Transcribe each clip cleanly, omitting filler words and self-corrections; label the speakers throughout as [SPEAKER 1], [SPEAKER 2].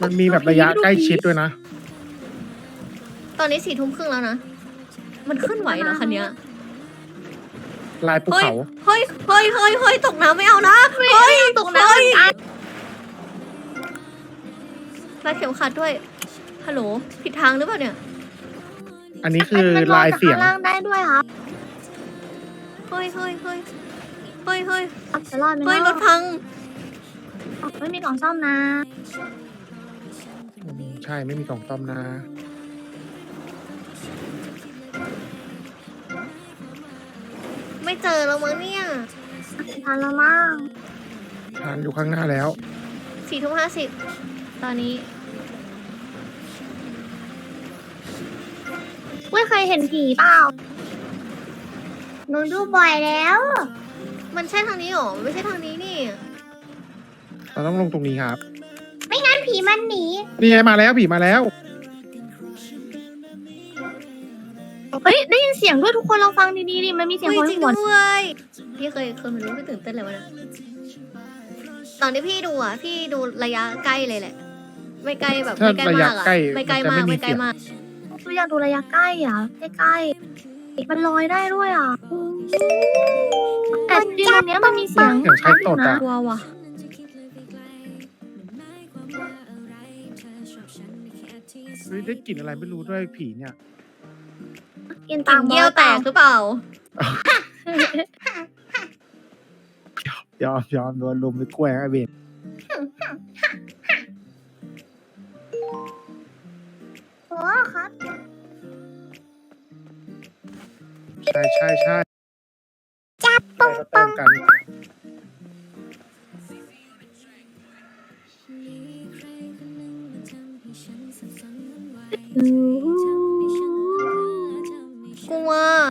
[SPEAKER 1] มันมีแบบระยะใกล้ชิดด้วยนะ
[SPEAKER 2] ตอนนี้4 ทุ่มครึ่งแล้วนะ มันขึ้นไหวเหรอคันเนี้ย
[SPEAKER 1] ลายภู
[SPEAKER 2] เฮ้ย
[SPEAKER 1] เขา
[SPEAKER 2] เฮ้ยเฮ้ยเฮ้ยเฮ้ยตกน้ำไม่เอานะ เฮ้ย
[SPEAKER 3] ตกน้ำเหมือนกัน
[SPEAKER 2] รัดเข็มขัดด้วย ฮัลโหล ผิดทางหรือเปล่าเนี่ย
[SPEAKER 1] อันนี้คือ
[SPEAKER 3] มัน
[SPEAKER 1] ลายเสียง
[SPEAKER 3] ข้างล่างได้ด้วยครับ
[SPEAKER 2] เฮ้ยเฮ้ยเฮ้ยเฮ้ยเฮ้ย
[SPEAKER 3] จะรอดไหม
[SPEAKER 2] เฮ้ย ร
[SPEAKER 3] เนาะ
[SPEAKER 2] ถพัง
[SPEAKER 3] ไม่มีกล่องซ่อมนะ
[SPEAKER 1] ใช่ไม่มีกล่องต้อมนะ
[SPEAKER 2] ไม่เจอแล้วมั้งเนี่ย
[SPEAKER 3] ทันแล้วมั้ง
[SPEAKER 1] ทานอยู่ข้างหน้าแล้ว
[SPEAKER 2] 4 ทุ่ม 50ตอนนี้
[SPEAKER 3] ไม่เคยเห็นผีเปล่าหนูดูบ่อยแล้ว
[SPEAKER 2] มันใช่ทางนี้หรอ ไม่ใช่ทางนี้นี่
[SPEAKER 1] เราต้องลงตรงนี้ครับ
[SPEAKER 3] ไม่งั้นผีมันหนี
[SPEAKER 1] นี่ไงมาแล้วผีมาแล้ว
[SPEAKER 3] เฮ้ยได้ยินเสียงด้วยทุกคนลองฟังดีๆดิมันมีเสียง
[SPEAKER 2] เฮ้ย
[SPEAKER 3] คน
[SPEAKER 2] จริง
[SPEAKER 3] หัว
[SPEAKER 2] ด้วยพี่เคยมาดูพี่ตื่นเต้นเลยวะนะตอนที่พี่ดูอ่ะ พี่ดูระยะใกล้เลยแหละ ไม่ใกล้แบบ
[SPEAKER 1] ถ้า
[SPEAKER 2] ไม่ใกล้มาก
[SPEAKER 1] ระ
[SPEAKER 2] อ่ะ
[SPEAKER 1] ยะใกล้
[SPEAKER 2] ไม่ใกล้
[SPEAKER 1] มันจะ
[SPEAKER 2] มาก
[SPEAKER 1] ไม่มี
[SPEAKER 2] ไม่ใกล้
[SPEAKER 1] เสียง
[SPEAKER 2] มาก
[SPEAKER 3] ตัวอยากดูระยะใกล้อ่ะใกล้ๆมันลอยได้ด้วยอ่ะแต่จริงๆตรงเนี้ยมันมีเสียง
[SPEAKER 1] เสียงใช้ตดอะ
[SPEAKER 2] กลัวว่ะ
[SPEAKER 1] เฮ้ยได้กลิ่นอะไรไม่รู้ด้วยผีเนี่ย
[SPEAKER 3] กิน
[SPEAKER 2] ต่า
[SPEAKER 3] ตาง ม
[SPEAKER 2] เยี่ยวแตกหรือเปล่า
[SPEAKER 1] ยอมโดนลุมไปกล้วยไอ้เบน
[SPEAKER 3] โอ้ครับ
[SPEAKER 1] ใช่จับปงปงกัน
[SPEAKER 2] กลัว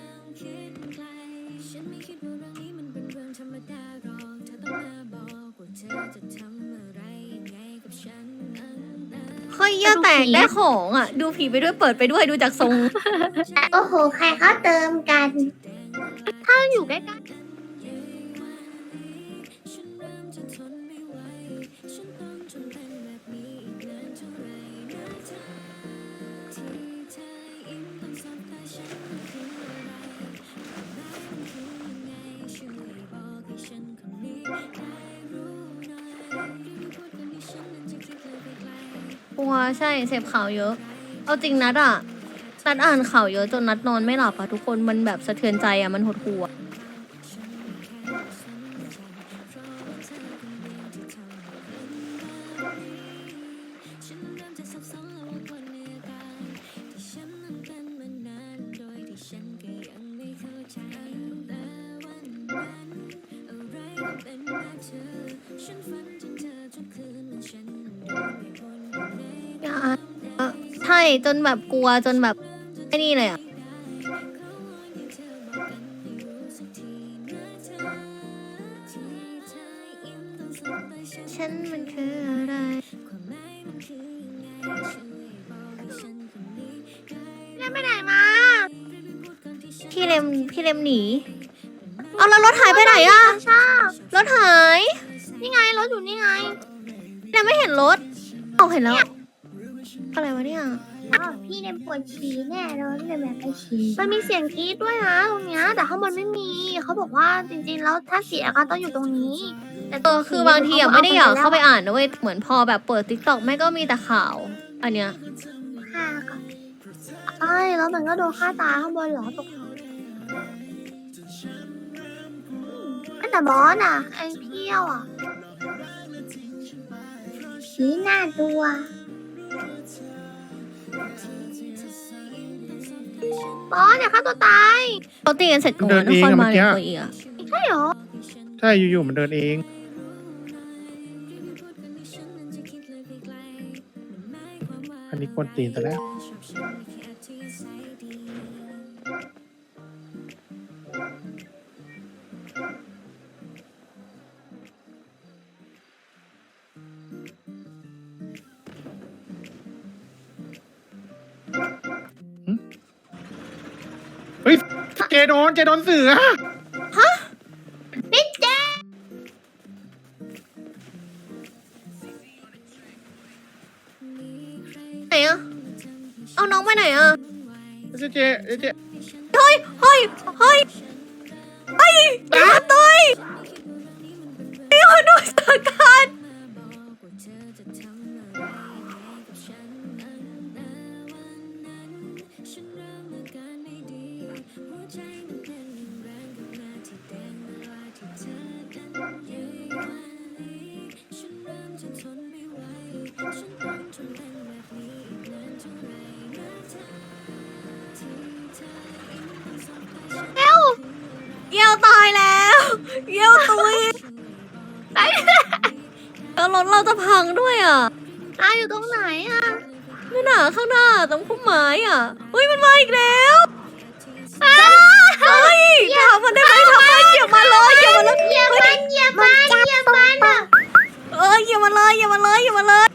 [SPEAKER 2] เฮ้ยเยี่ยวแตกได้ของอ่ะ ดูผีไปด้วยเปิดไปด้วยดูจากทรง
[SPEAKER 3] โอ้โหใครเขาเติมกัน ถ้าอยู่ใกล้ๆ
[SPEAKER 2] กลัวใช่เสพข่าวเยอะ เอาจริงนัดอ่ะ นัดอ่านข่าวเยอะจนนัดนอนไม่หลับอ่ะทุกคนมันแบบสะเทือนใจอ่ะมันหดหู่อะ ใช่จนแบบกลัวจนแบบไอ้นี่เลยอ่ะ ฉันมันคืออะไร
[SPEAKER 3] แล้วไปไหนมา
[SPEAKER 2] พี่เลมหนี เอาแล้วรถหายไปไหนอ่ะ
[SPEAKER 3] ชอบ
[SPEAKER 2] รถหาย
[SPEAKER 3] นี่ไงรถอยู่นี่ไง
[SPEAKER 2] แต่ไม่เห็นรถเอาเห็นแล้ว อะไรวะเนี่ย
[SPEAKER 3] อ้าวพี่เนี่ยปวดฉี่แน่เลยพี่เลยแบบไปฉี่มันมีเสียงกรี๊ดด้วยนะตรงเนี้ยแต่ข้างบนไม่มีเขาบอกว่าจริงๆแล้วถ้าเสียก็ต้องอยู่ตรงนี้ แต่ตรง
[SPEAKER 2] คือบางทีอ่ะไม่ได้อยากเข้าไปอ่านนะเว้ยเหมือนพอแบบเปิดติ๊กต็อกแม่ก็มีแต่ข่าว อันเนี้ย
[SPEAKER 3] ฆ่าก่อนใช่แล้วมันก็โดนฆ่าตายข้างบนเหรอตกแต่บอสอ่ะไอ้เพี้ยวอ่ะผีหน้าตัว บอสอย่าฆ่าตัวตาย
[SPEAKER 2] เขาตีกันเสร็จก่อน
[SPEAKER 1] เดิน
[SPEAKER 2] น
[SPEAKER 1] เอง
[SPEAKER 2] คร
[SPEAKER 1] อะ
[SPEAKER 2] มา
[SPEAKER 1] เมื่อกี้
[SPEAKER 2] เนี่ยตัวอีกอ่ะ
[SPEAKER 3] ใช่เหรอ
[SPEAKER 1] ใช่อยู่ๆมันเดินเอง อันนี้กวนตีนแต่แล้ว เฮ้ยเจโดนเสือ
[SPEAKER 3] นี่เจ
[SPEAKER 2] เอาน้องไปไหนอ่ะ
[SPEAKER 1] เจเจเจ
[SPEAKER 2] เฮ้ยเฮ้ยเฮ้ยเฮ้ยอย่าต่อยอย่าดูสถานการณ์เยี่ยวตายแล้วเยี่ยวตุยแล้วรถเราจะพังด้วยอ่ะ
[SPEAKER 3] อยู่ตรงไหนอ่ะ
[SPEAKER 2] นี่น่ะข้างหน้าตรงพุ่มไม้อ่ะเฮ้ยมันมาอีกแล้วเฮ้ยถามมันได้ไหมทำไมเหยียบมาเลยเหยียบมาเลย
[SPEAKER 3] เหยียบมันเหยียบมันเหยียบมันอ่ะ
[SPEAKER 2] เหยียบมาเลยเหยียบมาเลยเหยียบมาเลย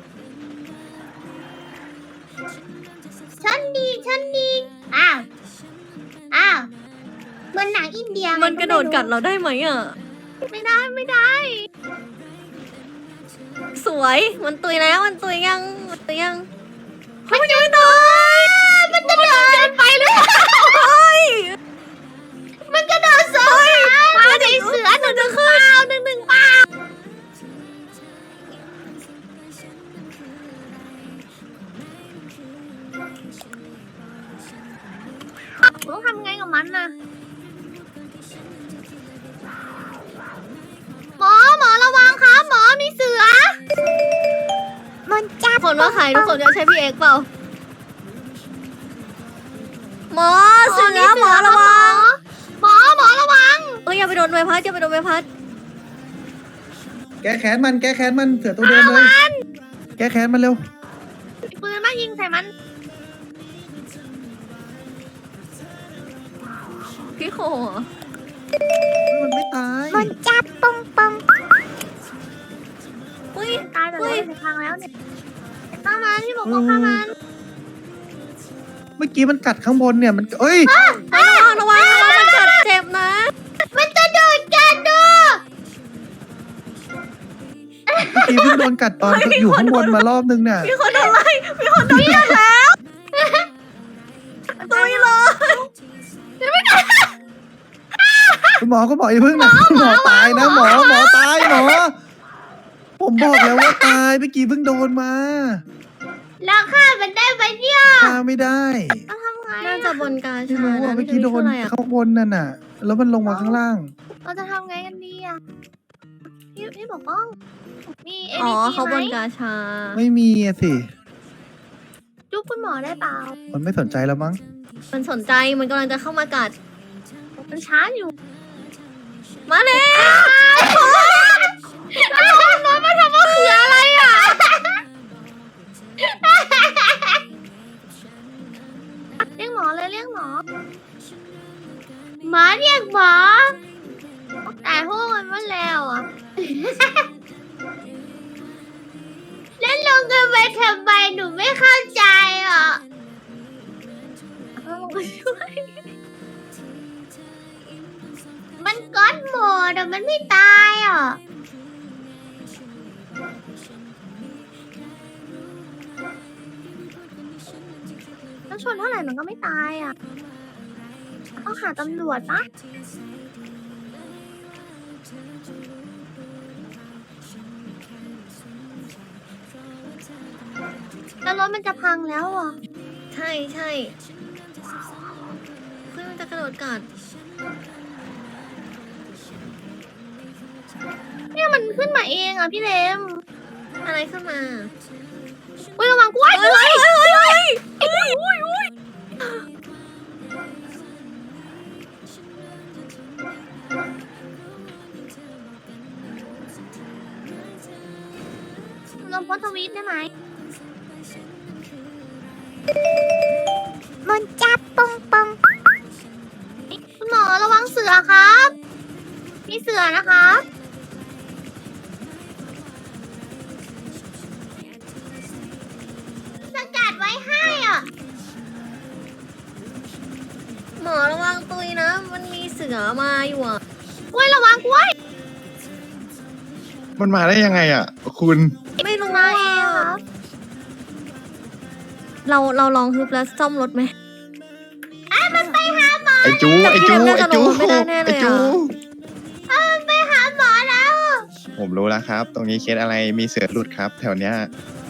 [SPEAKER 3] ฉันดีอ้าวเหมือนหนังอินเดีย
[SPEAKER 2] มันกระโดดกัดเราได้ไหมอ่ะ
[SPEAKER 3] ไม่ได้
[SPEAKER 2] สวยมันตุยแล้วมันตุยยังมันตุยยัง
[SPEAKER 3] มันยังไม่ตาย มันกระโดดไปเลย
[SPEAKER 2] เฮ้ย
[SPEAKER 3] มันกระโดดสองขาใจเสือหนึ่งเปล่าหนึ่งเปล่าต้องทำไงกับมันน่ะหมอระวังครับหมอมีเสือมันจับ
[SPEAKER 2] คนว่าใครทุกคนจะใช้พี่เอ็กเปล่าหมอเสือหมอระวัง
[SPEAKER 3] หมอระวัง
[SPEAKER 2] อย่าไปโดนใบพัดอย่าไปโดนใบพัด
[SPEAKER 1] แกแขนมันเสือตัวเดิมเลยแกแขนมันเร็ว
[SPEAKER 3] ปืนมายิงใส่มัน
[SPEAKER 2] พี่โค
[SPEAKER 1] มันไม่ตาย
[SPEAKER 3] มันจับปง
[SPEAKER 2] อุ้ย
[SPEAKER 3] ตายแต่เราในทางแล้วเนี่ยข้ามันที่บอกว่าข้ามัน
[SPEAKER 1] เมื่อกี้มันกัดข้างบนเนี่ยมันเอ้ย
[SPEAKER 2] ระวังมันกัดเจ็บนะ
[SPEAKER 3] มันจะโดนกันดู
[SPEAKER 1] เมื่อกี้เพิ่งโดนกัดตอนอยู่ข้างบนมารอบนึงเนี่ย
[SPEAKER 2] มีคนโดนไล่มีคนโดนกัดแล้วตุยเลย
[SPEAKER 1] คุณหมอก็บอกอย่าเพิ่งนะคุณหมอตายนะหมอตายหมอผมบอกแล้วว่าตายเมื่อกี้เพิ่งโดนมา
[SPEAKER 3] แล้วฆ่ามันได้ไหมเนี่ย
[SPEAKER 1] ฆ่าไม่ได้
[SPEAKER 3] เราทำไง
[SPEAKER 2] น่าจะบนกา
[SPEAKER 1] ไม่
[SPEAKER 2] ชา
[SPEAKER 1] รู้ว่าเมื่อกี้โดน
[SPEAKER 2] อะไรอ่ะ
[SPEAKER 1] ข้างบนนั่นน่ะ แล้วมันลงมาข้างล่าง
[SPEAKER 3] เราจะทำไงกันดีอ่ะพี่บอกป้องมี
[SPEAKER 2] อ๋อ
[SPEAKER 3] ADT
[SPEAKER 2] เขาบน
[SPEAKER 3] ไหม
[SPEAKER 2] กาชา
[SPEAKER 1] ไม่มีอะสิ
[SPEAKER 3] จุ๊บคุณหมอได้เปล่า
[SPEAKER 1] มันไม่สนใจแล้วมั้ง
[SPEAKER 2] มันสนใจมันกำลังจะเข้ามากัด
[SPEAKER 3] มันช้าอยู่
[SPEAKER 2] มาเลย
[SPEAKER 3] แล้วน้อยมาทำว่าคืออะไรอ่ะเรียกหมอเลยเรียกหมอเรียกหมอแต่พวกมันว่าแล้วอ่ะ แล้วลงกันไปทำไมหนูไม่เข้าใจอ่ะลงไปช่วยมันก๊อตโหมดอ่ะมันไม่ตายอ่ะแล้วชนเท่าไหร่มันก็ไม่ตายอ่ะต้องหาตำรวจปะแล้วรถมันจะพังแล้วอ่ะ
[SPEAKER 2] ใช่เฮ้ยมันจะกระโดดกัด
[SPEAKER 3] เนี่ยมันขึ้นมาเองอ่ะพี่เลม
[SPEAKER 2] อะไรขึ้นมา
[SPEAKER 3] อุ้ยระวังกล้วย
[SPEAKER 2] เฮ้ย
[SPEAKER 3] ลงโพสต์ทวีตได้ไหม
[SPEAKER 4] มันจับปง
[SPEAKER 3] คุณหมอระวังเสือครับ มีเสือนะครับ สกัดไว้ให้อ่ะ
[SPEAKER 2] หมอระวังตุยนะ มันมีเสือมาอยู่อ่ะ
[SPEAKER 3] กล้วยระวังกล้วย
[SPEAKER 1] มันมาได้ยังไงอ่ะ คุณ
[SPEAKER 2] ไม่รู้
[SPEAKER 3] มา
[SPEAKER 2] อ่ะ
[SPEAKER 3] เองครับ
[SPEAKER 1] ม
[SPEAKER 2] เราลองฮึบแล้วซ่อมรถไหม
[SPEAKER 3] มันไปหาหมอ
[SPEAKER 4] ไอ้จูไอ้จู
[SPEAKER 2] น่า
[SPEAKER 4] ไอ้
[SPEAKER 2] จะ
[SPEAKER 4] จู
[SPEAKER 2] ลงไม่ได้แน่เลย
[SPEAKER 4] ไอ้จู
[SPEAKER 2] อะ
[SPEAKER 3] ไปหาหมอแล้ว
[SPEAKER 4] ผมรู้แล้วครับ ตรงนี้เคสอะไรมีเสือหลุดครับ แถวเนี้ย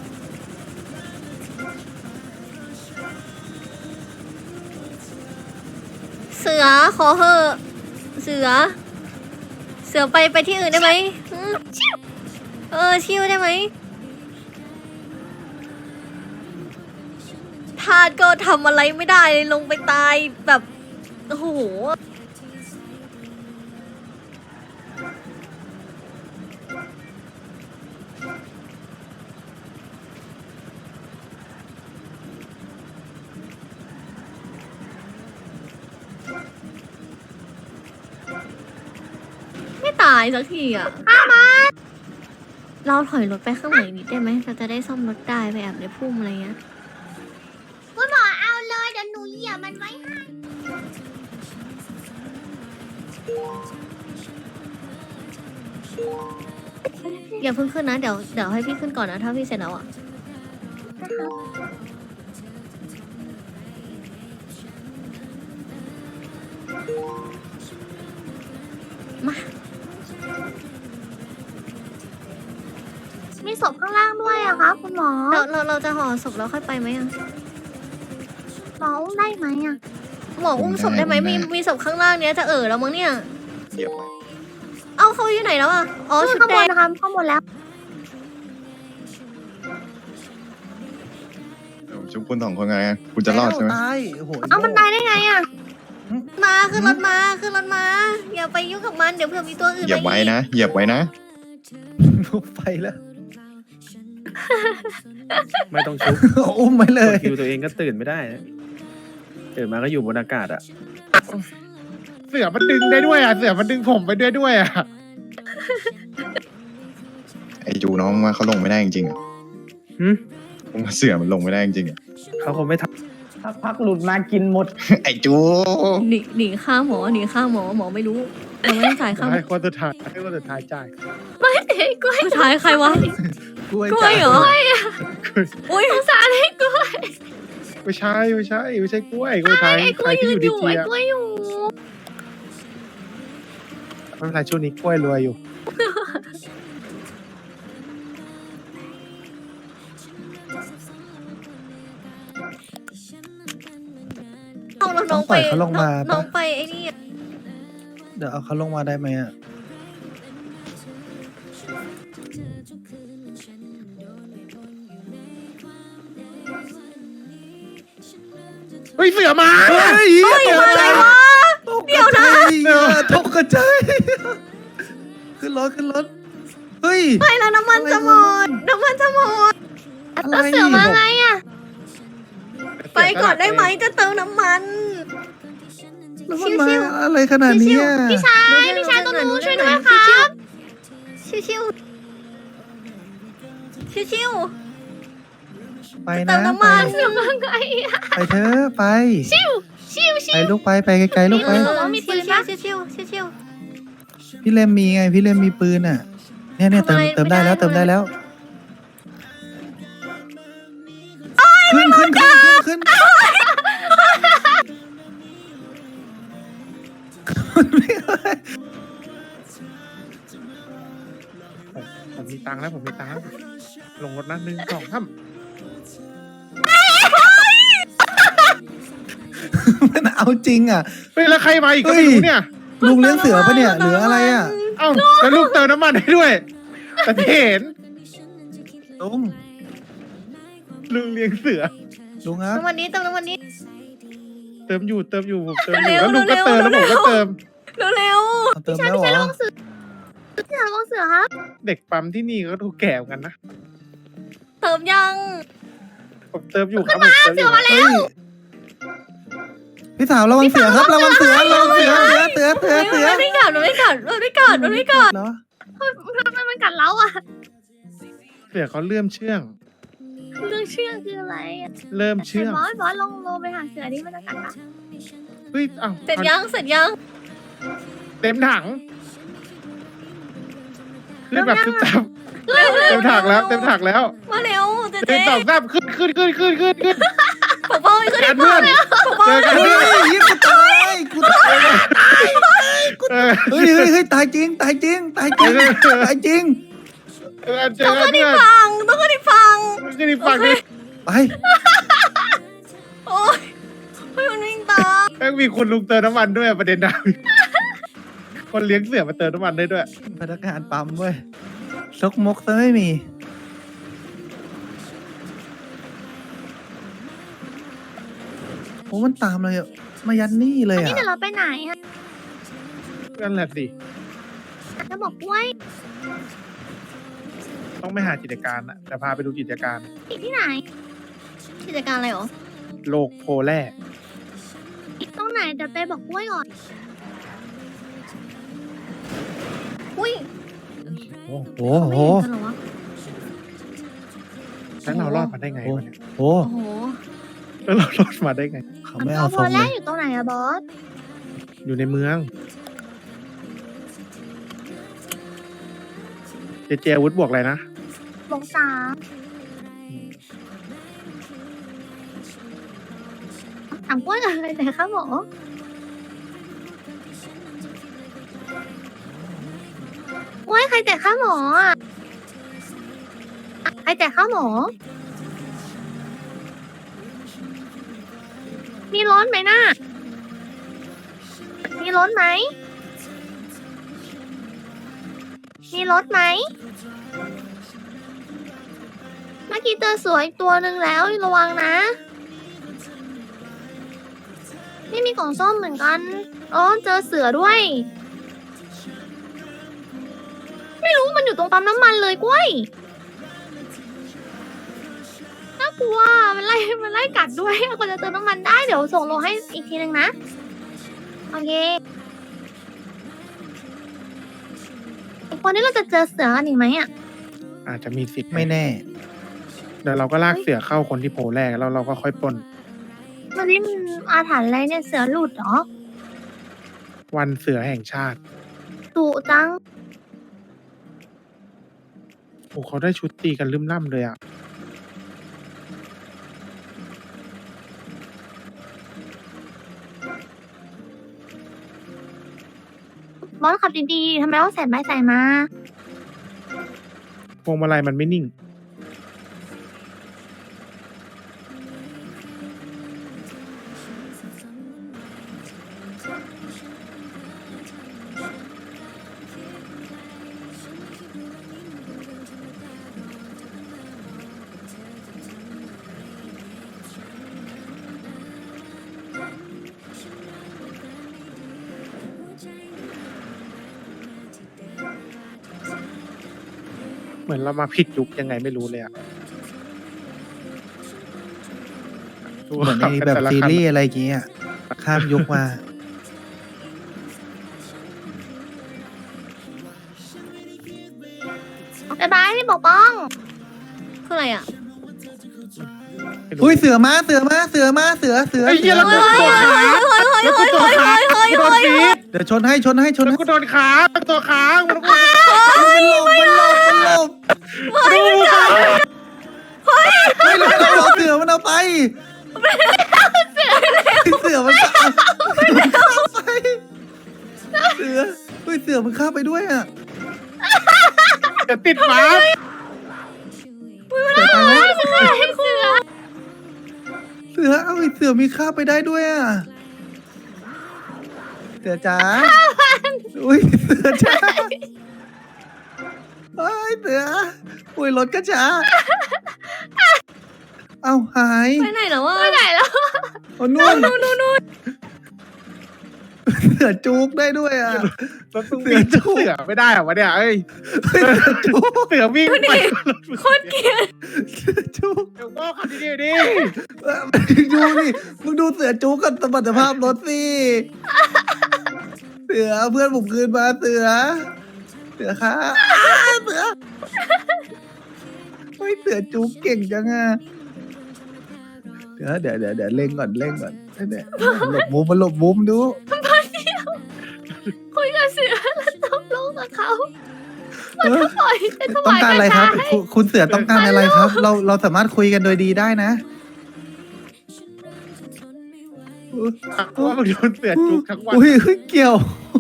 [SPEAKER 2] เสือขอเหอะเสือไปที่อื่นได้ไหมอืมชิวได้ไหมทาสก็ทำอะไรไม่ได้เลยลงไปตายแบบโอ้โหไม่ตายสักทีอ่ะเราถอยรถไปข้างหลังนิดได้ไหมเราจะได้ซ่อมรถได้ไปแอบในพุ่มอะไรเงี้ย
[SPEAKER 3] คุณหมอเอาเลยเดี๋ยวหนูเหยียบมันไว้ให้
[SPEAKER 2] อย่าเพิ่งขึ้นนะเดี๋ยวให้พี่ขึ้นก่อนนะถ้าพี่เสร็จแล้วอ่ะมา
[SPEAKER 3] มีศพข้างล่างด้วยอะคะคุณหมอ
[SPEAKER 2] เราจะห่อศพแล้วค่อยไปไหมอ่ะ
[SPEAKER 3] หมออุ้มได้ไหมอะ
[SPEAKER 2] หมออุ้มศพได้ไหมมีศพข้างล่างเนี้ยจะแล้วมั้งเนี่ย
[SPEAKER 4] เหยียบไว้
[SPEAKER 2] เอ้าเขาอยู่ไหนแล้วอ่ะอ๋อชุด
[SPEAKER 3] ข้าง
[SPEAKER 2] แด
[SPEAKER 3] บน
[SPEAKER 2] ง
[SPEAKER 3] นะคะข้างบนแล้ว
[SPEAKER 4] เดี๋ยวชุบคุณสองคนไงคุณจะรอดใช่ไหม
[SPEAKER 1] ตายโอ้โห
[SPEAKER 3] เอามันตายได้ไงอะ
[SPEAKER 2] มาขึ้นรถมาอย่าไปยุ่งกับมันเดี๋ยวเผื่อมีตัวอื่น
[SPEAKER 4] เหยียบไว้นะเหยียบไว้นะ
[SPEAKER 1] ไปแล้ว
[SPEAKER 5] ไม่ต้องชุบ
[SPEAKER 1] อุ้มไปเลย
[SPEAKER 5] คิวตัวเองก็ตื่นไม่ได้นะตื่นมาก็อยู่บนอากาศอ่ะ
[SPEAKER 6] เสือมันดึงได้ด้วยอ่ะ เสือมันดึงผมไปด้วยอ่ะ
[SPEAKER 4] ไอ้จูน้องว่าเขาลงไม่ได้จริงๆอ่ะ
[SPEAKER 5] หึ
[SPEAKER 4] ผมว่าเสือมันลงไม่ได้จริงๆอ่ะ
[SPEAKER 5] เขาคงไม่ท
[SPEAKER 7] สักพักหลุดมากินหมด
[SPEAKER 4] ไอ้จู
[SPEAKER 2] หนีฆ่าหมอหมอไม่รู้เราไม่ได้จ่ายค่า
[SPEAKER 6] ให้คนสุดท้ายให้คนสุดท้ายจ่าย
[SPEAKER 2] สุดท้ายใครวะ
[SPEAKER 1] กล้วย
[SPEAKER 2] กล้วยเหรออุ้ยสงสารให้กล้วย
[SPEAKER 6] ไม่ใช่กล้วยคนสุดท้าย
[SPEAKER 3] ไอ้ก
[SPEAKER 6] ใค
[SPEAKER 3] ล้
[SPEAKER 6] ร
[SPEAKER 3] วย
[SPEAKER 6] ที่
[SPEAKER 3] ยื
[SPEAKER 6] อน ยู่
[SPEAKER 3] อ
[SPEAKER 6] ดี
[SPEAKER 3] ยู่
[SPEAKER 6] เจี
[SPEAKER 3] ไอ้
[SPEAKER 6] ย
[SPEAKER 3] กล้วยอยู่
[SPEAKER 6] ไม่เป็นไรช่วงนี้กล้วยรวยอยู่
[SPEAKER 2] เอาแล้วน้องไป
[SPEAKER 1] ต้องปล่อยเขาลงมาปะ
[SPEAKER 2] น้องไปไอ้นี่
[SPEAKER 1] เดี๋ยวเอาเขาลงมาได้ไหมอ่ะ
[SPEAKER 6] เฮ้ยเสือมา
[SPEAKER 1] เฮ้ยตกใจเดี๋ยวนะตกใจขึ้นรถเฮ้ย
[SPEAKER 2] ไปแล้วน้ำมันจะหมด
[SPEAKER 1] อะไร
[SPEAKER 3] แล้วเสือมาไงอะ
[SPEAKER 2] ไปก่อนได้ไหมจะเติมน้ำมัน
[SPEAKER 1] แล้วมันมาอะไรขนาดนี้อ่ะ
[SPEAKER 3] พี่ชายตัวหนูช่วยด้วยครับ
[SPEAKER 2] ชิว
[SPEAKER 1] ไป
[SPEAKER 2] เติ
[SPEAKER 1] นะ
[SPEAKER 2] มน้ำมัน
[SPEAKER 3] เสือมาไงอะ
[SPEAKER 1] ไปเถอะไป
[SPEAKER 3] ชิว
[SPEAKER 1] ไปลูกไปไกลๆลูกไป
[SPEAKER 2] ชิว
[SPEAKER 1] พี่เลมมีไงพี่เลมมีปืนอ่ะ เนี่ยเติมได้แล้วขึ้น
[SPEAKER 6] ผมมีตังค์แล้วลงรถนะ1 2 3
[SPEAKER 1] มันเอาจริงอ่ะ
[SPEAKER 6] เฮ้ยแล้วใครมาอีกก็ไม่รู้เนี่ย
[SPEAKER 1] ลุงเลี้ยงเสือปะเนี่ยหรืออะไรอ่ะ
[SPEAKER 6] เอ้าแล้วลูกเติมน้ำมันให้ด้วย แต่ที่เห็น
[SPEAKER 1] ลุง
[SPEAKER 6] ลุงเลี้ยงเสือ
[SPEAKER 1] ลุงครับ
[SPEAKER 2] น้ำมันนี้เติมน้ำมันนี้
[SPEAKER 6] เติมอยู่ผมเติมอยู่
[SPEAKER 2] เร็ว
[SPEAKER 6] แล้วลุงก็เติม
[SPEAKER 2] เร็
[SPEAKER 6] แล้ว
[SPEAKER 2] ว
[SPEAKER 6] ผมก็เติม
[SPEAKER 2] เร็ว
[SPEAKER 1] เอาเติมแล้วเหรอ
[SPEAKER 3] เสือครับ
[SPEAKER 6] เด็กปั๊มที่นี่ก็ดูแก่เหมือนกันนะ
[SPEAKER 2] เติมยัง
[SPEAKER 6] ผมเติมอยู่ครับผมเติมอยู่
[SPEAKER 1] เฮ้ยพี่สาวระวังเสือครับระวังเสือเสือ
[SPEAKER 2] มันไม่กัดเหรอ
[SPEAKER 3] ทำไมมันกัดเราอะ
[SPEAKER 6] เสือเขาเลื่อมเชื่อง
[SPEAKER 3] เรื่องเชื่องคืออะไรอะ
[SPEAKER 6] เริ่มเชื่อง
[SPEAKER 3] บอสลองโลไปหาเสือที่มันจะกัดปะ
[SPEAKER 6] เฮ้ยเอ้า
[SPEAKER 2] เสร็จยัง
[SPEAKER 6] เต็มถังขึ้นแบบขึ้นจับเต็มถังแล้ว
[SPEAKER 2] มาเร็วเจ๊
[SPEAKER 6] 1 2 3ขึ้นกันเพื่อนเจอกัน
[SPEAKER 1] เฮ้
[SPEAKER 6] เพื่อน
[SPEAKER 1] ยยิงกูตายกูตาย
[SPEAKER 6] เออ
[SPEAKER 1] เฮ้ยเฮ้ยตายจริงตายจริงตายจริงตายจริง
[SPEAKER 6] เจอกันเพื่อน
[SPEAKER 2] ฟังต้องขึ้นอีกฟัง
[SPEAKER 6] ก็ดีฟังดิ
[SPEAKER 1] ไป
[SPEAKER 2] โอ้ยเฮ้ยมันวิ่งตาม
[SPEAKER 6] แม่งมีคนลุงเติมน้ำมันด้วยประเด็นนะคนเลี้ยงเสือมาเติมน้ำมันได้ด้วย
[SPEAKER 1] พนักงานปั๊มเว้ยซกมกซะไม่มีโอ้มันตามเลยอะมายันนี่เลย
[SPEAKER 3] นี่
[SPEAKER 1] อ่ะ
[SPEAKER 3] เดี๋ยวเราไปไหนอะ
[SPEAKER 6] นั่นแหละสิ
[SPEAKER 3] จะบอกกล้วย
[SPEAKER 6] ต้องไม่หากิจการอะแต่พาไปดูกิจการ
[SPEAKER 3] ที่ไหน
[SPEAKER 2] กิจการอะไรหรอ
[SPEAKER 6] โลกโพแร่
[SPEAKER 3] ตรงไหนเดี๋ยวไปบอกกล้วยก่อน
[SPEAKER 2] อุ้ย
[SPEAKER 1] โอ้โห
[SPEAKER 2] เขาไม่เห็นกันเหรอวะ
[SPEAKER 6] แล้วเรารอดมาได้ไงวะเนี่ย
[SPEAKER 1] โอ้
[SPEAKER 2] โอ้โห
[SPEAKER 6] แล้วเรารอดมาได้ไง
[SPEAKER 1] เขาไม่เอา
[SPEAKER 3] เอา
[SPEAKER 1] ท
[SPEAKER 3] พ
[SPEAKER 1] ร
[SPEAKER 3] อง แร
[SPEAKER 1] เล
[SPEAKER 3] ก
[SPEAKER 1] ย
[SPEAKER 3] อยู่ตรงไหนอะบอส
[SPEAKER 6] อยู่ในเมืองเจอาวุธบวกอะไรนะ
[SPEAKER 3] บอกสามถามกล้วยอะไรไหนคะหมอกล้วยใครแต่ข้าหมออะใครแต่ข้าหมอ มีร้อนไหมน่ะมีร้อนไหม มีรถไหม เมื่อกี้เจอเสืออีกตัวหนึ่งแล้วระวังนะ นี่มีกล่องส้มเหมือนกัน อ๋อ เจอเสือด้วย ไม่รู้มันอยู่ตรงปั๊มน้ำมันเลยกล้วย น่ากลัว มันไล่กัดด้วยกว่าจะเติมน้ำมันได้ เดี๋ยวส่งโลให้อีกทีนึงนะ โอเควันนี้เราจะเจอเสือกันอีกไหมอ่ะ
[SPEAKER 6] อาจจะมีสิทธิ์
[SPEAKER 1] ไม่แน่
[SPEAKER 6] เดี๋ยวเราก็ลากเสือเข้าคนที่โพแรกแล้วเราก็ค่อยปล้น
[SPEAKER 3] วันนี้มันอาถรรพ์อะไรเนี่ยเสือหลุดเหรอ
[SPEAKER 6] วันเสือแห่งชาติ
[SPEAKER 3] ดุจัง
[SPEAKER 6] โอ้เขาได้ชุดตีกันลืมล่ำเลยอ่ะ
[SPEAKER 3] บอสขับดีๆทำไมต้องใส่ไม้ใส่มา
[SPEAKER 6] พวงมาลัยมันไม่นิ่ง เหมือนเรามาผิดยุคยังไงไม่รู้เลยอ่ะ
[SPEAKER 1] เหมือนในแบบซีรีส์อะไรอย่างเงี้ยข้ามยุคมา
[SPEAKER 3] บ๊ายบายพี่ปกป้อง
[SPEAKER 2] คืออะไรอ่ะ
[SPEAKER 1] อุ้ยเสือมาเสือมาเสือมาเสือ
[SPEAKER 6] ไอ้เหี้ยแล้วกูตัวขาแล้วกูตัวขากูโดนฟีด
[SPEAKER 1] เดี๋ยวชนให้ชนให้ชน
[SPEAKER 6] แล้ว
[SPEAKER 1] ให้
[SPEAKER 6] กูโดนขาตัวขามันกู
[SPEAKER 1] มันหลบมันหลบมันหลบ
[SPEAKER 6] ดูขา
[SPEAKER 1] เฮ้ยแล้วมันเอาเสือมันเอาไปเสือมันเข้าไปเสือเฮ้ยเสือมันเข้าไปด้วยอ่ะ
[SPEAKER 6] จะติดหมา
[SPEAKER 1] เสือไปไหม
[SPEAKER 3] เสือ
[SPEAKER 1] เสือเอ้าไอ้เสือมีข้าไปได้ด้วยอ่ะเสือจ๋าอุ้ยเสือจ๋าเฮ้ยเสืออุ้ยรถก็จ๋าเอ้าหาย
[SPEAKER 2] ไปไหนแล้ววะ
[SPEAKER 3] ไปไหนแล้ว
[SPEAKER 1] เอานู่นเสือจุกได้ด้วยอ่ะ
[SPEAKER 6] รถเสือเสือไม่ได้เหรอวะเนี่ยเอ้ย
[SPEAKER 1] เสือจุก
[SPEAKER 6] เสือวิ่งไป
[SPEAKER 2] โคตรเกลียด
[SPEAKER 1] เสือจุก
[SPEAKER 6] เดี๋ยวก็ขับดีๆดิ
[SPEAKER 1] ดูนี่มึงดูเสือจุกกับสมรรถภาพรถสิเสือเพื่อนผมคืนมาเสือค่ะเสือเฮ้ยเสือจุกเก่งจังอ่ะเดี๋ยวเล่งก่อนเนี่ยหลบมุมมันหลบมุมดู
[SPEAKER 3] คุยกับเสือแล้วตกลงกับเขา
[SPEAKER 1] เออ
[SPEAKER 3] ปล่อยจะถ
[SPEAKER 1] ต้อง
[SPEAKER 3] วาย
[SPEAKER 1] การอะไรครับ
[SPEAKER 3] ให้
[SPEAKER 1] คุณเสือต้องการอะไรครับ เราสามารถคุยกันโดยดีได้นะ
[SPEAKER 6] ว่ามึงโดนเสือจุกทั้งวัน
[SPEAKER 1] อุ้ยเกี่ยว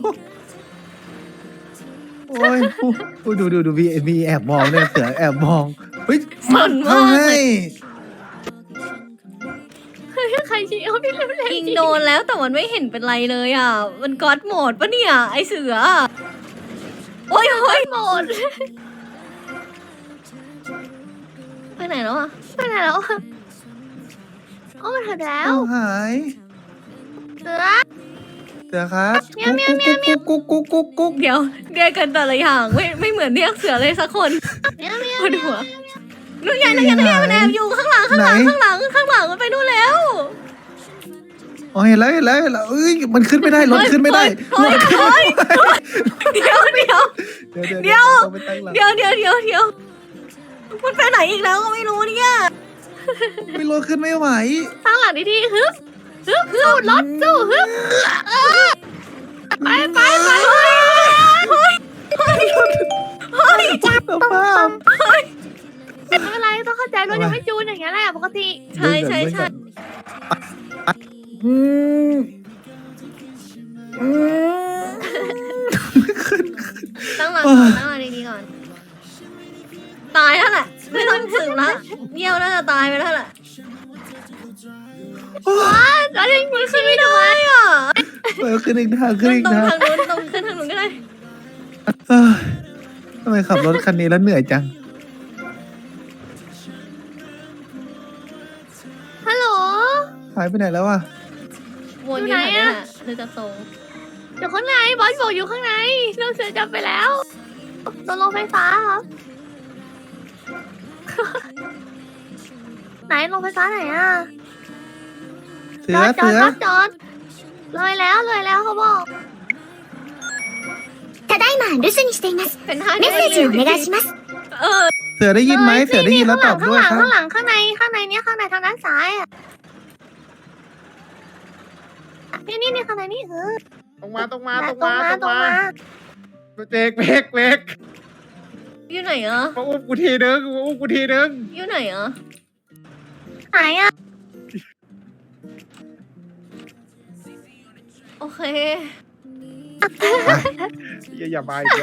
[SPEAKER 1] โอ้ยดูมีแอบมองเนี่ยเสือแอบมองเฮ้ย
[SPEAKER 2] สนมาก
[SPEAKER 1] เอาให้
[SPEAKER 3] ใครชี้เอาพี่เล็บ
[SPEAKER 2] ยิงโดนแล้วแต่มันไม่เห็นเป็นไรเลยอ่ะ มันก๊อตโหมดปะเนี่ย ไอเสือ โอ้ยโหมด ไปไหนแล้วอ่ะ
[SPEAKER 3] ไปไหนแล้วอะโอ้มันหายแล้ว
[SPEAKER 1] เอาหาย
[SPEAKER 3] เสือ
[SPEAKER 1] เสือครับ
[SPEAKER 3] เมียวเมียวเมียวเมียว
[SPEAKER 1] กุ๊ก
[SPEAKER 2] เดี๋ยวเรียกกันแต่ละอย่างไม่เหมือนเรียกเสือเลยสักคน
[SPEAKER 3] เมียวเมียว
[SPEAKER 2] ปวดหัวนู่นไงมันแอบอยู่ข้างหลังมันไปนู่นแล้ว
[SPEAKER 1] อ๋อเห็นแล้วเอ้ยมันขึ้นไม่ได้รถขึ้นไม่ได้
[SPEAKER 2] เฮ้ย
[SPEAKER 1] รถขึ้นไม่ได้
[SPEAKER 2] เดี๋ยว
[SPEAKER 1] ต้องไปตั้งหลัง
[SPEAKER 2] เดี๋ยวมันไปไหนอีกแล้วก็ไม่รู้เนี่ย
[SPEAKER 1] ไม่รถขึ้นไม่ไหว
[SPEAKER 3] ตั้งหลังดีๆฮึบสู้รถสู้ฮึบไป
[SPEAKER 1] สภาพ
[SPEAKER 3] ไม่เป็นไรต้องเข้าใจรถยังไม่จูนอย่างเงี้ยแหละปกติ
[SPEAKER 2] ใช่
[SPEAKER 1] อืม
[SPEAKER 2] ตั้งหลังดีๆก่อน ตายแล้วแหละไม่ต้องสืบละเยี่ยวน่าจะตายไปแล้วแหละ
[SPEAKER 3] แล้วยังมือขึ้นไม่
[SPEAKER 2] ไม่
[SPEAKER 3] ได้
[SPEAKER 2] ได้อ่ะ
[SPEAKER 1] เปิดขึ้นอีกทางขึ้นอีก
[SPEAKER 2] ตรง
[SPEAKER 1] ทาง
[SPEAKER 2] ทางนู้นตรงขึ้นทางนู้นก็ได้
[SPEAKER 1] เอ้ยทำไมขับรถคันนี้แล้วเหนื่อยจัง
[SPEAKER 3] ฮัลโหล
[SPEAKER 1] หายไปไหนแล้วอ่ะ
[SPEAKER 2] วนอยู่ไหนอ่ะหรือจะตรง
[SPEAKER 3] อยู่ข้างในบอสบอกอยู่ข้างในน้องเสือจับไปแล้วโดนลงไฟฟ้าครับ ไหนลงไฟฟ้าไหนอ่ะ
[SPEAKER 1] เสือ
[SPEAKER 3] จอดเลยแล้วเขาบอกただいま留守にしています
[SPEAKER 2] เป็นท่า
[SPEAKER 3] メッセージお願いします
[SPEAKER 2] เออ
[SPEAKER 1] เสือได้ยินไหมเสือได้ยินแล้วตอบด้วยครับ
[SPEAKER 3] ข้างหลังข้างในเนี่ยข้างในทางด้านซ้ายอ่ะนี่ข้างในนี่
[SPEAKER 6] ตรงมา
[SPEAKER 3] ตรงมา
[SPEAKER 6] เบรก
[SPEAKER 2] อยู่ไหนอ่ะ
[SPEAKER 6] มาอุ้มกูทีนึง
[SPEAKER 2] อยู่ไหนอ่ะ
[SPEAKER 3] ไหนอ่ะ
[SPEAKER 2] โอเค
[SPEAKER 6] อย่ามาอีกแล้ว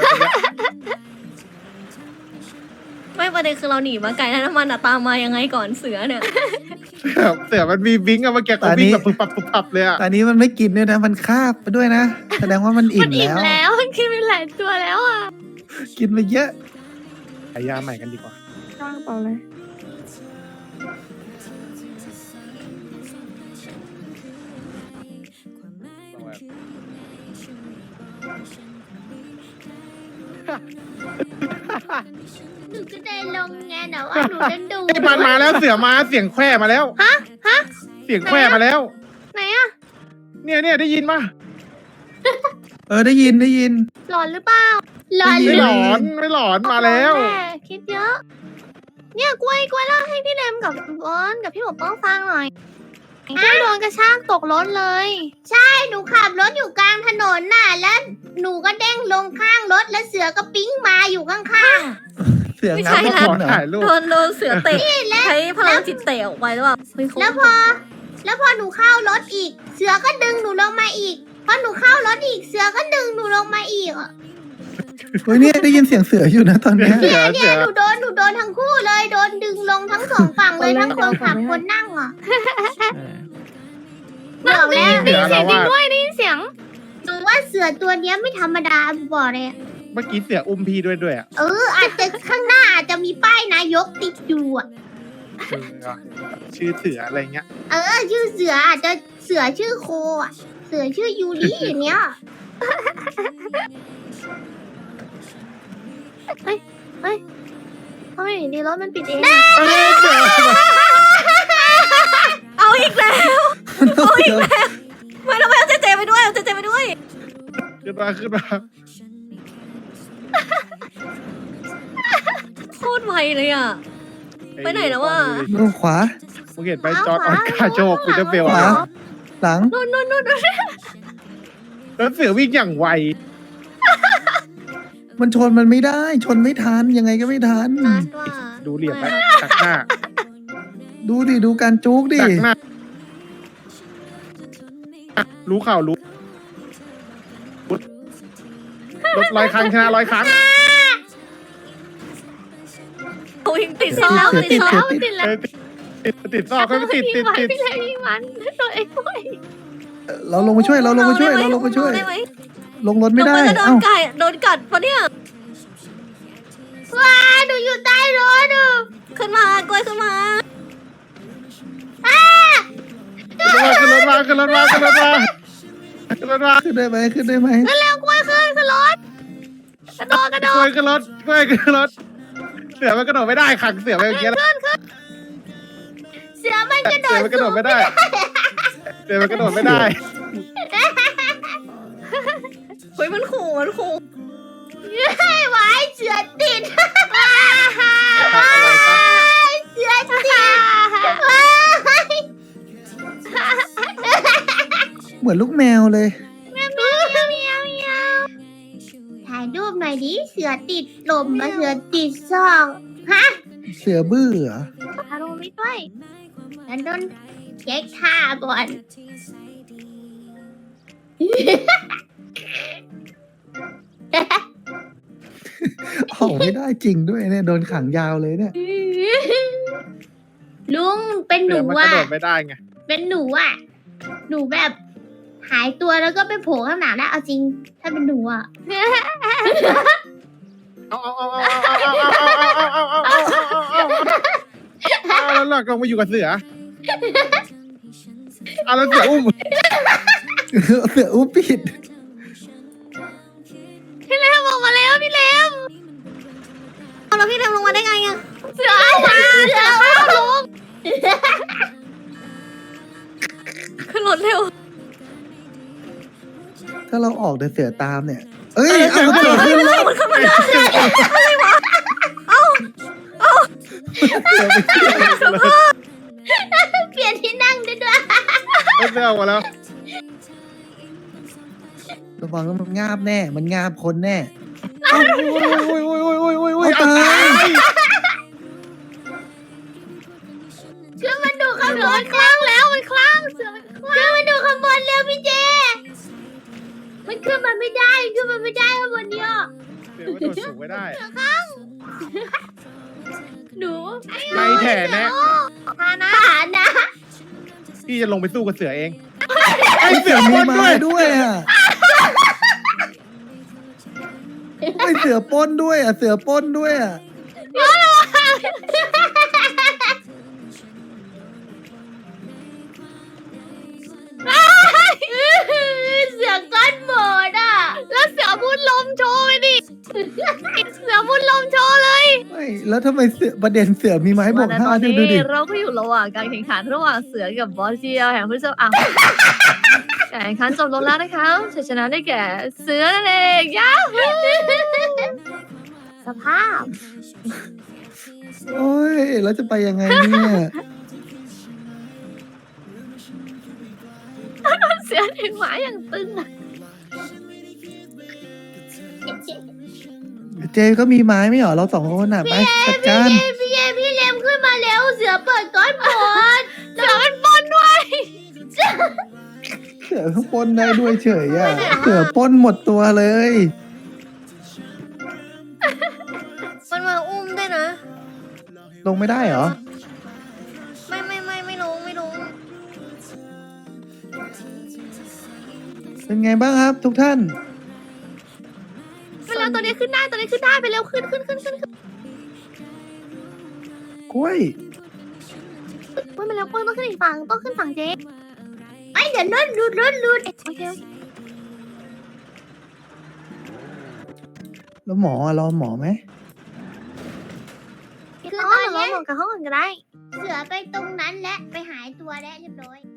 [SPEAKER 2] ไม่ประเด็นคือเราหนีมาไกลแล้วน้ำมันอะตามมายังไงก่อนเสือเนี่ย
[SPEAKER 6] เสือมันมีบิงอะเมื่อกี้เขาวิ่งแบบปุ๊บปับเลยอะ
[SPEAKER 1] ตอนนี้มันไม่กินด้วยนะ มันคาบไปด้วยนะ แสดงว่ามันอิ่
[SPEAKER 3] มัน
[SPEAKER 1] ม
[SPEAKER 3] อิ่ม
[SPEAKER 1] แล้ว
[SPEAKER 3] แล้วมันกินไปหลายตัวแล้วอ่ะ
[SPEAKER 1] กินไปเยอะ
[SPEAKER 6] หายาใหม่กันดีกว่า
[SPEAKER 3] จ้างเปล่าเลย หนูก็ได้ลงไงแต่ว่าหนูดันดู
[SPEAKER 6] มันมาแล้วเสือมาเสียงแควมาแล้ว
[SPEAKER 3] ฮะ
[SPEAKER 6] เสียงแควมาแล้ว
[SPEAKER 3] ไหนอ่ะ
[SPEAKER 6] เนี่ยได้ยินปะ
[SPEAKER 1] ได้ยิน
[SPEAKER 3] หลอนหรือเปล่า
[SPEAKER 6] ไม่หลอนมาแล้ว
[SPEAKER 3] ม่คิดเยอะ เนี่ยกล้วยเล่าให้พี่เลมกับบอลกับพี่หมอป้องฟังหน่อยกล้วยโดนกระชากตกรถเลย ใช่หนูขับรถอยู่กลางถนนน่ะแล้วหนูก็เด้งลงข้างรถแล้วเสือก็ปิ้งมาอยู่ข้างๆ
[SPEAKER 1] เสือ
[SPEAKER 2] ไม่
[SPEAKER 1] งั
[SPEAKER 2] ใช่
[SPEAKER 1] บ
[SPEAKER 2] ละ
[SPEAKER 1] คนเหรอ
[SPEAKER 6] ถ่ายรูป
[SPEAKER 2] โดนเสือเตะใช้พลังจิตเตะออกไปหรือเปล่าเฮ้ยเขา
[SPEAKER 3] แล้วพอหนูเข้ารถอีก เสือก็ดึงหนูลงมาอีก พอหนูเข้ารถอีก เสือก็ดึงหนูลงมาอีกอ่ะ
[SPEAKER 1] เฮ้ยเนี่ยได้ยินเสียงเสืออยู่นะตอนเนี้ย
[SPEAKER 6] เสือ
[SPEAKER 3] เนี่ยหนูโดนทั้งคู่เลย โดนดึงลงทั้งสองฝั่งเลยทั้งคนขับคนนั่งอ่ะบอกแล้ว
[SPEAKER 6] เสือเราว่า
[SPEAKER 3] ได้ยินเสียงหนูว่าเสือตัวเนี้ยไม่ธรรมดาบอกเลย
[SPEAKER 6] เมื่อกี้เสืออุ้มพี่ด้วยอะ
[SPEAKER 3] อาจจะข้างหน้าอาจจะมีป้ายนายกติดอยู่อ่ะ
[SPEAKER 6] ชื่อเสืออะไรเงี้ย
[SPEAKER 3] ชื่อเสืออาจจะเสือชื่อโคอ่ะ เสือชื่อยูริอย่างเนี้ยเฮ้ยทำไมอยู่ดีรถมันปิดเองอะ
[SPEAKER 6] เสือ
[SPEAKER 2] เอาอีกแล้วไม่ต้องไปเอาเจไปด้วยเอาเจไปด้วย
[SPEAKER 6] ขึ้นมา
[SPEAKER 2] โคตรไวเลยอ่ะ ไปไหนแล้ววะ
[SPEAKER 1] นู่นขวา
[SPEAKER 6] มึงเห็นไปจอร์ดออสการ์โชว์กูจะเบล
[SPEAKER 1] ขวา
[SPEAKER 6] อะ
[SPEAKER 1] หลัง
[SPEAKER 2] นู่น
[SPEAKER 6] แล้วเสือวิ่งอย่างไว
[SPEAKER 1] มันชนมันไม่ได้ ชนไม่ทันยังไงก็ไม่ทัน
[SPEAKER 2] นัดว่า
[SPEAKER 6] ดูเหลี่ยมไปตักหน้า
[SPEAKER 1] ดูดิดูการจุกดิ
[SPEAKER 6] ตักหน้ารู้ข่าวรู้รถ100 ครั้งชนะ100 ครั้ง
[SPEAKER 2] โอ้ยติดซอก
[SPEAKER 1] ติด
[SPEAKER 2] ติดซอก
[SPEAKER 3] ติดแล้ว
[SPEAKER 6] ติดซอกก็ติด
[SPEAKER 3] พี่ไว้พี่เลยพี่มันตัวเองด้วย
[SPEAKER 1] เราลงไปช่วยเราลงไปช่วยเราลงไปช่วย
[SPEAKER 2] ได้ไหม
[SPEAKER 1] ลงรถไม่ได้
[SPEAKER 2] ลงปจะโด
[SPEAKER 1] เอ้าน
[SPEAKER 2] โดนกัดปะเนี่ย
[SPEAKER 3] ว้าหนูอยู่ใต้รถอ่ะ
[SPEAKER 2] ขึ้นมากล้วยขึ้นมา
[SPEAKER 6] ขึ้นรถมาขึ้นรถมาขึ้นรถมาขึ้นรถมา
[SPEAKER 1] ขึ้นได้ไหมขึ้นได้ไหม
[SPEAKER 3] เร็วกล้วยขึ้นรถกระโดด
[SPEAKER 6] กล้วยขึ้นรถกล้วยขึ้นรถเสือมันกระโดดไม่ได้ขังเสือไปเมื่อกี้แล้ว
[SPEAKER 3] เสือมันกระโด
[SPEAKER 6] เสือ
[SPEAKER 3] ด
[SPEAKER 6] มันกระโดดไม่ได้เสือมันกระโดดไม่ได้
[SPEAKER 2] เฮ้ยมันขู่มันขู่
[SPEAKER 3] ให้ไว้เสือติดเสือติด
[SPEAKER 1] เหมือนลูกแมวเลย
[SPEAKER 3] ถ่ายรูปหน่อยดิเสือติดลมกับเสือติดซอกฮะ
[SPEAKER 1] เสือบื้อเหรอ
[SPEAKER 3] ถ่ายรูปไม่ด้วยงั้นโดนเช็คท่าก่อน
[SPEAKER 1] ออกไม่ได้จริงด้วยเนี่ยโดนขังยาวเลยเนี่ย
[SPEAKER 3] ลุงเป็นห
[SPEAKER 6] เสื
[SPEAKER 3] นู
[SPEAKER 6] อมันกระ
[SPEAKER 3] อ่ะ
[SPEAKER 6] โดดไม่ได้ไง
[SPEAKER 3] เป็นหนูอ่ะ หนูแบบหายตัวแล้วก็ไปโผล่ข้างหลังได้เอาจริง ถ้าเป็นหนูอ่ะ
[SPEAKER 6] เอาแล้วหลักลงมาอยู่กับเสือเอาแล้วเสืออุ้ม
[SPEAKER 1] เสืออุ้มปิด
[SPEAKER 3] พี่เลมออกมาแล้วพี่เลม
[SPEAKER 2] เอาแล้วพี่เดินลงมาได้ไงอะ
[SPEAKER 3] เสือเอามาเสือเอาลุง
[SPEAKER 2] ขึ้นรถเร็ว
[SPEAKER 1] ถ้าเราออกแต่เสือตามเนี่ย เอ้ยเอาเสือขึ้นรถ
[SPEAKER 2] มันขึ้นมาได้
[SPEAKER 1] เสือไปเที่ยว
[SPEAKER 3] เปลี่ยนที่นั่งได้ด้วย
[SPEAKER 6] เอาเสือออกมาแล้ว
[SPEAKER 1] ระวังว่ามันงาบแน่ มันงาบคนแน่
[SPEAKER 6] โอ้ย
[SPEAKER 1] เอาตาย
[SPEAKER 3] ขึ้นมาดูข้างบนคลั่งแล้วมันคลั่งเสือมันคลั่งขึ้นมาดูข้างบนเร็วพี่เจ มันขึ้นมาไม่ได้ขึ้นมาไม่ได้ข้างบนเนี้ย
[SPEAKER 6] เสือมันโดดสูงไม่ได้
[SPEAKER 3] หนู
[SPEAKER 6] ในแถแนะ
[SPEAKER 3] ฐานะ
[SPEAKER 6] พี่จะลงไปสู้กับเสือเองไอเสือ
[SPEAKER 1] มี
[SPEAKER 6] พ่น
[SPEAKER 1] ไม้
[SPEAKER 6] ด้วย
[SPEAKER 1] ด้วยอ่ะไม่เสือปล้นด้วยอ่ะ เสือปล้นด้วยอ่ะ
[SPEAKER 3] เสือก้อนหมดอ่ะ แล้วเสือพูดลมโชว์ไปดิ เสือพูดลมโชว์เลย
[SPEAKER 1] ไม่ แล้วทำไมเสือประเด็นเสือมีไม้บวก
[SPEAKER 2] แต่
[SPEAKER 1] ห้า
[SPEAKER 2] ตอน
[SPEAKER 1] ดู
[SPEAKER 2] นี้
[SPEAKER 1] ดิ
[SPEAKER 2] เราก็อยู่ระหว่างการแข่งขันระหว่างเสือกับบอสเจียวแห่งพฤษภาการแข่งขันจบลงแล้วนะคะชัยชนะได้แก่เสือนั่นเองย้า
[SPEAKER 3] สภาพ
[SPEAKER 1] โอ้ย แล้วจะไปยังไงเนี่ย
[SPEAKER 3] เสือถึงหมาอย่างตึงอะ
[SPEAKER 1] เจก็มีไม้ไม่เหรอ เราสองคนน่ะ ไปจัดการ
[SPEAKER 3] พี่เลมขึ้นมาเร็ว เสือเปิดก้อนหมด เสือมันปนด้วย
[SPEAKER 1] เสือปล้นได้ด้วยเฉยอ่ะ เสือปล้นหมดตัวเลย
[SPEAKER 2] มันมาอุ้มด้วยนะ
[SPEAKER 1] ลงไม่ได้เหรอ
[SPEAKER 2] ไม่ลง
[SPEAKER 1] เป็นไงบ้างครับ ทุกท่าน
[SPEAKER 3] ไปแล้วตัวนี้ขึ้นได้ไปเร็วขึ้น
[SPEAKER 1] กล้วย
[SPEAKER 3] ไปมาแล้วต้องขึ้นอีกฝั่งต้องขึ้นฝั่งเจ๊ไอ้เดี๋ยวรถหลุดโอเค
[SPEAKER 1] แล้วหมอรอหมอไหม
[SPEAKER 3] คือตอนนี้กับห้องอื่นก็ได้ เสือไปตรงนั้นและไปหายตัวแล้วเรียบร้อย